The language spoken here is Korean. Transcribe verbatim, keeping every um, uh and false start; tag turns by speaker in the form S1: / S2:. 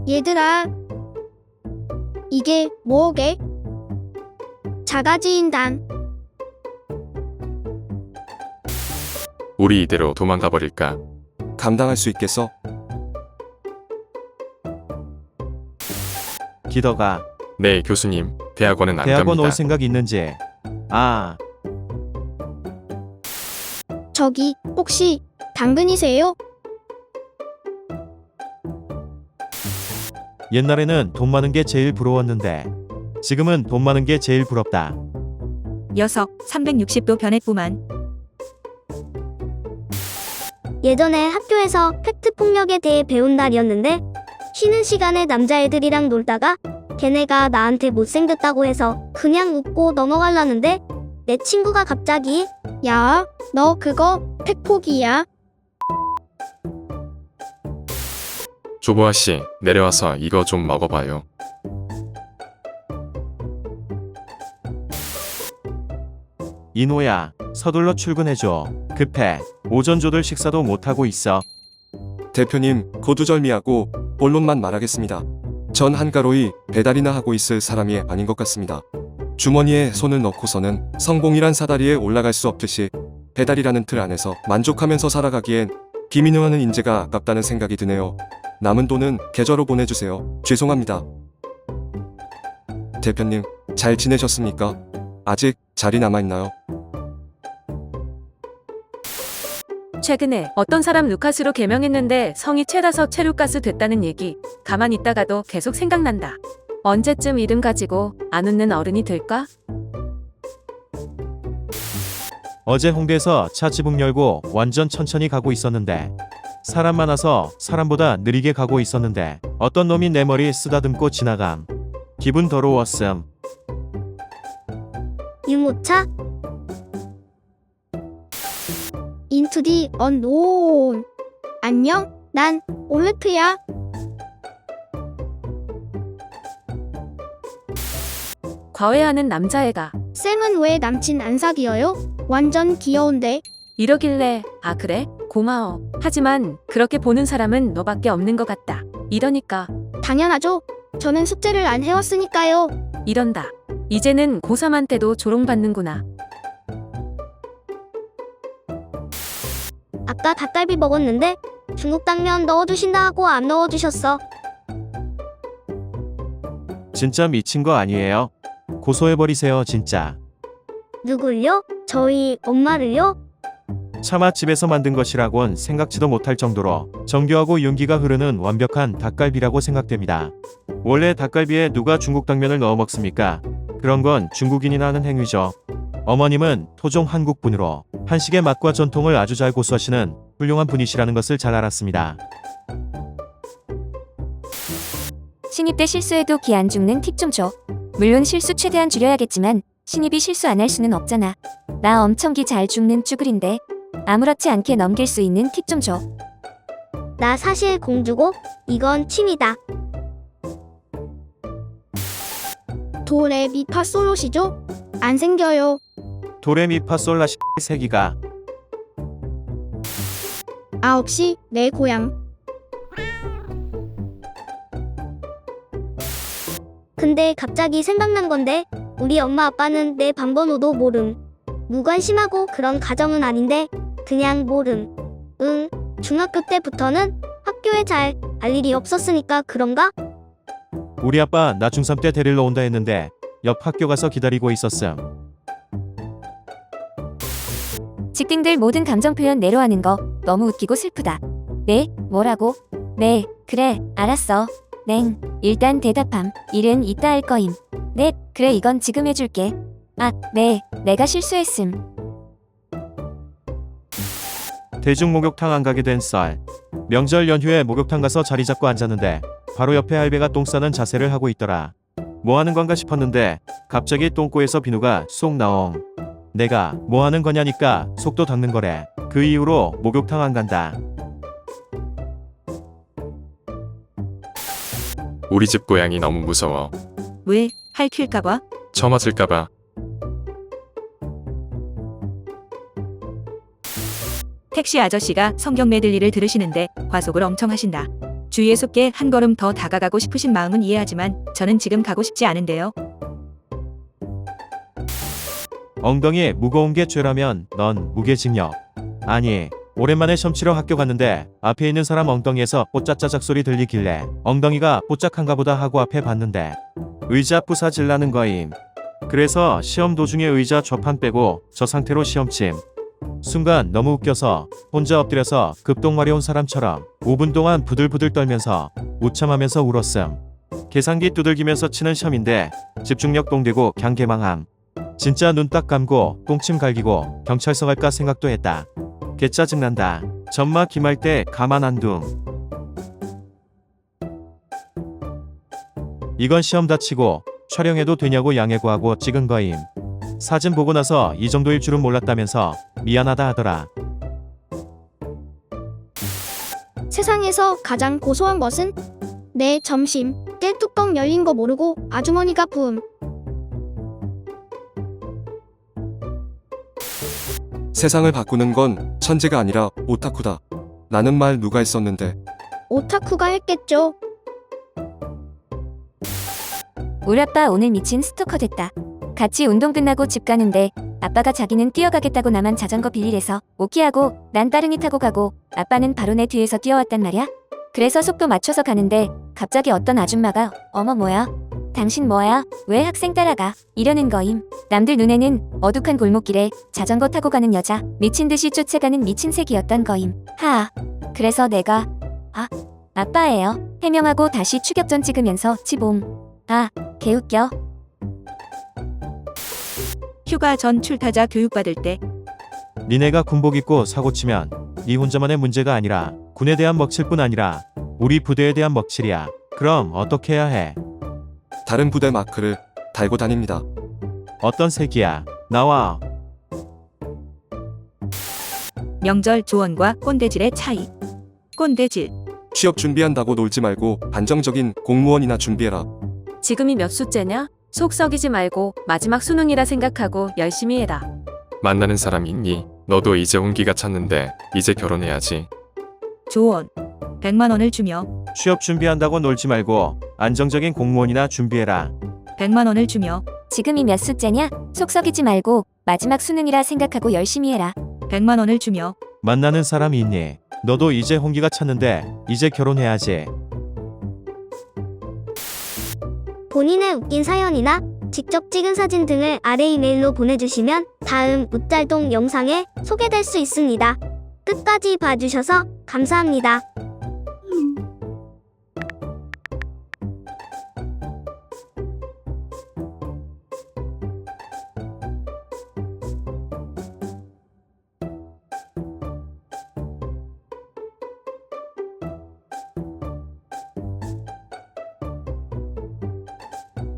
S1: 얘들아, 이게 뭐게? 자가지인단.
S2: 우리 이대로 도망가 버릴까?
S3: 감당할 수 있겠어?
S4: 기더가
S2: 네, 교수님. 대학원은 안
S4: 대학원
S2: 갑니다.
S4: 올 생각 있는지. 아,
S1: 저기 혹시 당근이세요?
S4: 옛날에는 돈 많은 게 제일 부러웠는데 지금은 돈 많은 게 제일 부럽다.
S5: 녀석 삼백육십 도 변했구만.
S6: 예전에 학교에서 팩트 폭력에 대해 배운 날이었는데 쉬는 시간에 남자애들이랑 놀다가 걔네가 나한테 못생겼다고 해서 그냥 웃고 넘어가려는데 내 친구가 갑자기
S1: 야, 너 그거 팩폭이야.
S2: 조보아 씨, 내려와서 이거 좀 먹어봐요.
S4: 이노야, 서둘러 출근해줘. 급해. 오전 조들 식사도 못하고 있어.
S3: 대표님, 거두절미하고 본론만 말하겠습니다. 전 한가로이 배달이나 하고 있을 사람이 아닌 것 같습니다. 주머니에 손을 넣고서는 성공이란 사다리에 올라갈 수 없듯이 배달이라는 틀 안에서 만족하면서 살아가기엔 비민영하는 인재가 아깝다는 생각이 드네요. 남은 돈은 계좌로 보내주세요. 죄송합니다. 대표님, 잘 지내셨습니까? 아직 자리 남아있나요?
S5: 최근에 어떤 사람 루카스로 개명했는데 성이 최다서 최루카스 됐다는 얘기. 가만히 있다가도 계속 생각난다. 언제쯤 이름 가지고 안 웃는 어른이 될까?
S4: 어제 홍대에서 차 지붕 열고 완전 천천히 가고 있었는데 사람 많아서 사람보다 느리게 가고 있었는데 어떤 놈이 내 머리 쓰다듬고 지나감. 기분 더러웠음.
S6: 유모차?
S1: 인투 디 언노운. 안녕, 난 올레트야.
S5: 과외하는 남자애가
S1: 쌤은 왜 남친 안 사귀어요? 완전 귀여운데.
S5: 이러길래 아 그래? 고마워. 하지만 그렇게 보는 사람은 너밖에 없는 것 같다. 이러니까
S1: 당연하죠. 저는 숙제를 안 해왔으니까요.
S5: 이런다. 이제는 고삼한테도 조롱받는구나.
S6: 아까 닭갈비 먹었는데 중국 당면 넣어주신다 하고 안 넣어주셨어.
S4: 진짜 미친 거 아니에요? 고소해버리세요 진짜.
S6: 누굴요? 저희 엄마를요?
S4: 차마 집에서 만든 것이라곤 생각지도 못할 정도로 정교하고 윤기가 흐르는 완벽한 닭갈비라고 생각됩니다. 원래 닭갈비에 누가 중국 당면을 넣어 먹습니까? 그런 건 중국인이 하는 행위죠. 어머님은 토종 한국분으로 한식의 맛과 전통을 아주 잘 고수하시는 훌륭한 분이시라는 것을 잘 알았습니다.
S7: 신입 때 실수해도 기 안 죽는 팁 좀 줘. 물론 실수 최대한 줄여야겠지만 신입이 실수 안 할 수는 없잖아. 나 엄청 기 잘 죽는 쭈글인데 아무렇지 않게 넘길 수 있는 팁 좀 줘.
S6: 나 사실 공주고 이건 취미다.
S1: 도레미파솔로시죠? 안 생겨요.
S4: 도레미파솔라시 세기가
S1: 아홉 시 내 고향.
S6: 근데 갑자기 생각난 건데 우리 엄마 아빠는 내 방번호도 모름. 무관심하고 그런 가정은 아닌데 그냥 모름. 응, 중학교 때부터는 학교에 잘 갈 일이 없었으니까 그런가?
S4: 우리 아빠 나 중삼 때 데리러 온다 했는데 옆 학교 가서 기다리고 있었음.
S7: 직딩들 모든 감정 표현 내로하는 거 너무 웃기고 슬프다. 네? 뭐라고? 네, 그래, 알았어. 냉, 일단 대답함. 일은 이따 할 거임. 네, 그래 이건 지금 해줄게. 아, 네, 내가 실수했음.
S4: 대중 목욕탕 안 가게 된 썰. 명절 연휴에 목욕탕 가서 자리 잡고 앉았는데 바로 옆에 할배가 똥 싸는 자세를 하고 있더라. 뭐 하는 건가 싶었는데 갑자기 똥꼬에서 비누가 쏙 나옹. 내가 뭐 하는 거냐니까 속도 닦는 거래. 그 이후로 목욕탕 안 간다.
S2: 우리 집 고양이 너무 무서워.
S5: 왜? 할킬까봐?
S2: 처맞을까봐. 택시
S5: 아저씨가 성경 메들리를 들으시는데 과속을 엄청 하신다.
S8: 주예수께 한 걸음 더 다가가고 싶으신 마음은 이해하지만 저는 지금 가고 싶지 않은데요.
S4: 엉덩이에 무거운 게 죄라면 넌 무게징역. 아니, 오랜만에 시험 치러 학교 갔는데 앞에 있는 사람 엉덩이에서 뽀짝짜짝 소리 들리길래 엉덩이가 뽀짝한가 보다 하고 앞에 봤는데 의자 부사질 나는 거임. 그래서 시험 도중에 의자 좌판 빼고 저 상태로 시험침. 순간 너무 웃겨서 혼자 엎드려서 급동 마려운 사람처럼 오 분 동안 부들부들 떨면서 우참하면서 울었음. 계산기 두들기면서 치는 시험인데 집중력 똥되고 그냥 개망함. 진짜 눈 딱 감고 똥침 갈기고 경찰서 갈까 생각도 했다. 개 짜증난다. 전마 김할 때 가만 안 둠. 이건 시험 다치고 촬영해도 되냐고 양해구하고 찍은 거임. 사진 보고 나서 이 정도일 줄은 몰랐다면서 미안하다 하더라.
S1: 세상에서 가장 고소한 것은 내 점심 때 뚜껑 열린 거 모르고 아주머니가 부음.
S3: 세상을 바꾸는 건 천재가 아니라 오타쿠다. 라는 말 누가 했었는데
S1: 오타쿠가 했겠죠.
S7: 우리 아빠 오늘 미친 스토커 됐다. 같이 운동 끝나고 집 가는데 아빠가 자기는 뛰어가겠다고 나만 자전거 빌리래서 오키하고 난 따릉이 타고 가고 아빠는 바로 내 뒤에서 뛰어왔단 말이야. 그래서 속도 맞춰서 가는데 갑자기 어떤 아줌마가 어머 뭐야? 당신 뭐야? 왜 학생 따라가? 이러는 거임. 남들 눈에는 어둑한 골목길에 자전거 타고 가는 여자 미친 듯이 쫓아가는 미친 새끼였던 거임. 하아. 그래서 내가 아 아빠예요 해명하고 다시 추격전 찍으면서 치봉. 아 개웃겨.
S8: 휴가 전 출타자 교육받을 때
S4: 니네가 군복 입고 사고 치면 니 혼자만의 문제가 아니라 군에 대한 먹칠 뿐 아니라 우리 부대에 대한 먹칠이야. 그럼 어떻게 해야 해?
S3: 다른 부대 마크를 달고 다닙니다.
S4: 어떤 색이야? 나와.
S8: 명절 조언과 꼰대질의 차이. 꼰대질.
S3: 취업 준비한다고 놀지 말고 안정적인 공무원이나 준비해라.
S5: 지금이 몇 수째냐? 속 썩이지 말고 마지막 수능이라 생각하고 열심히 해라.
S2: 만나는 사람 있니? 너도 이제 온기가 찼는데 이제 결혼해야지.
S8: 조언. 백만 원을 주며
S4: 취업 준비한다고 놀지 말고 안정적인 공무원이나 준비해라.
S8: 백만 원을 주며
S7: 지금이 몇 수째냐? 속 썩이지 말고 마지막 수능이라 생각하고 열심히 해라.
S8: 백만 원을 주며
S4: 만나는 사람이 있니? 너도 이제 홍기가 찼는데 이제 결혼해야지.
S6: 본인의 웃긴 사연이나 직접 찍은 사진 등을 아래 이메일로 보내주시면 다음 웃잘동 영상에 소개될 수 있습니다. 끝까지 봐주셔서 감사합니다.